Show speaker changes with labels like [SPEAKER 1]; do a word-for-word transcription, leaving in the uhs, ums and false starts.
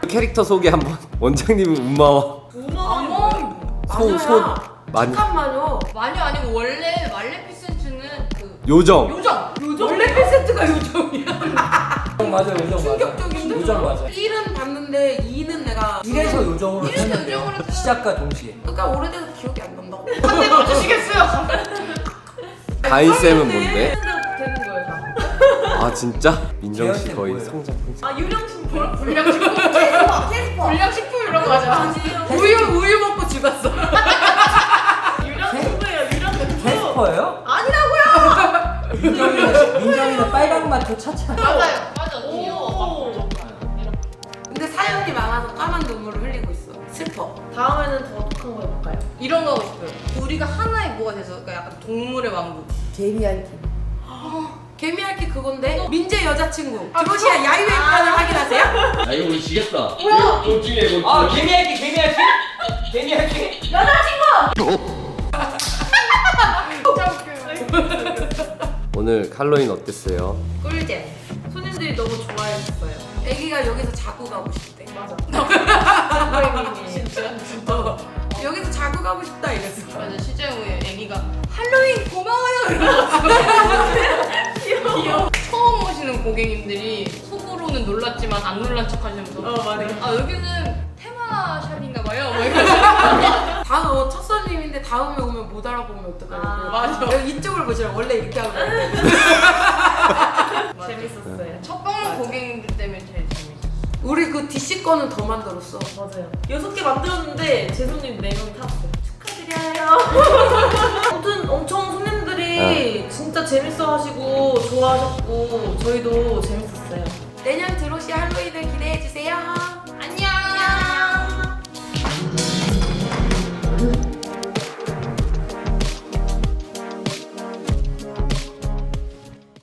[SPEAKER 1] 캐릭터 소개 한번. 원장님은 우마워.
[SPEAKER 2] 우마워.
[SPEAKER 1] 소, 소 많이.
[SPEAKER 2] 잠깐만요.
[SPEAKER 3] 마녀 아니고 원래 말레피센트는 그
[SPEAKER 1] 요정.
[SPEAKER 3] 요정.
[SPEAKER 2] 요정. 원래 팬세트가 요정이야.
[SPEAKER 4] 맞아, 요정 맞아.
[SPEAKER 2] 충격적인데?
[SPEAKER 4] 요정 맞아.
[SPEAKER 2] 일은 봤는데 이는 내가
[SPEAKER 4] 이래서 요정으로
[SPEAKER 3] 이래서
[SPEAKER 4] 했는데요.
[SPEAKER 3] 요정으로
[SPEAKER 4] 시작과 동시에.
[SPEAKER 2] 그러니까 오래돼서 기억이 안 난다고.
[SPEAKER 3] 한대 맞추시겠어요?
[SPEAKER 1] 가인쌤은 뭔데?
[SPEAKER 2] 되는 거예요, 다.
[SPEAKER 1] 아 진짜? 민정 씨
[SPEAKER 4] 재현쌤
[SPEAKER 1] 거의
[SPEAKER 4] 뭐예요?
[SPEAKER 1] 성장 풍선.
[SPEAKER 2] 아, 유령신분.
[SPEAKER 3] 불량식품, 불량식품 이런 거 하잖아.
[SPEAKER 2] 우유, 우유 먹고 죽었어.
[SPEAKER 5] 유령신부예요, 유령신부.
[SPEAKER 4] 캐스퍼예요?
[SPEAKER 2] 아니라고요!
[SPEAKER 4] 민정이는 민정이는 빨강 마초 차차.
[SPEAKER 3] 맞아요. 맞아.
[SPEAKER 5] 오.
[SPEAKER 3] 귀여워.
[SPEAKER 2] 근데 사연이 많아서 까만 눈물을 흘리고 있어. 슬퍼.
[SPEAKER 5] 다음에는 더 독한 거 해볼까요?
[SPEAKER 3] 이런 거 하고 싶어요. 우리가 하나의 뭐가 돼서 그러니까 약간 동물의 왕국.
[SPEAKER 4] 개미알기.
[SPEAKER 2] 개미할게 그건데 민재 여자친구 드로시아 야유회 판을 확인하세요?
[SPEAKER 6] 아 이거 우리 지겠다.
[SPEAKER 3] 뭐야?
[SPEAKER 6] 둘 중에 뭐.
[SPEAKER 4] 아 개미알기 개미알기 개미알기.
[SPEAKER 1] 오늘 칼로인 어땠어요?
[SPEAKER 2] 꿀잼. 손님들이 너무 좋아했어요. 애기가 여기서 자고 가고 싶대.
[SPEAKER 5] 맞아.
[SPEAKER 2] 진짜? 진짜. 여기서 자고 가고 싶다 이랬어.
[SPEAKER 3] 맞아. 실제 후에 애기가 할로윈 고마워요 이러면서 귀여워. 처음 오시는 고객님들이 속으로는 놀랐지만 안 놀란 척 하시면서
[SPEAKER 5] 어, 맞아.
[SPEAKER 3] 아 여기는 테마 샵인가 봐요. 뭐 이러면서
[SPEAKER 2] 다음 첫 손님인데 다음에 오면 못 알아보면 어떡하냐고.
[SPEAKER 5] 아,
[SPEAKER 3] 맞아.
[SPEAKER 2] 여기 이쪽을 보시라. 원래 이렇게 하고 다니는데.
[SPEAKER 5] 재밌었어요.
[SPEAKER 3] 첫 방문 고객님들 때문에 제일 재밌어.
[SPEAKER 2] 우리 그 디씨 거는 더 만들었어.
[SPEAKER 5] 맞아요. 여섯 개 만들었는데 제 손님 네 명이 탔어요. 축하드려요. 아무튼 엄청 손님들이 진짜 재밌어 하시고 좋아하셨고 저희도 재밌었어요.
[SPEAKER 2] 내년 드로시 할로윈을 기대해 주세요.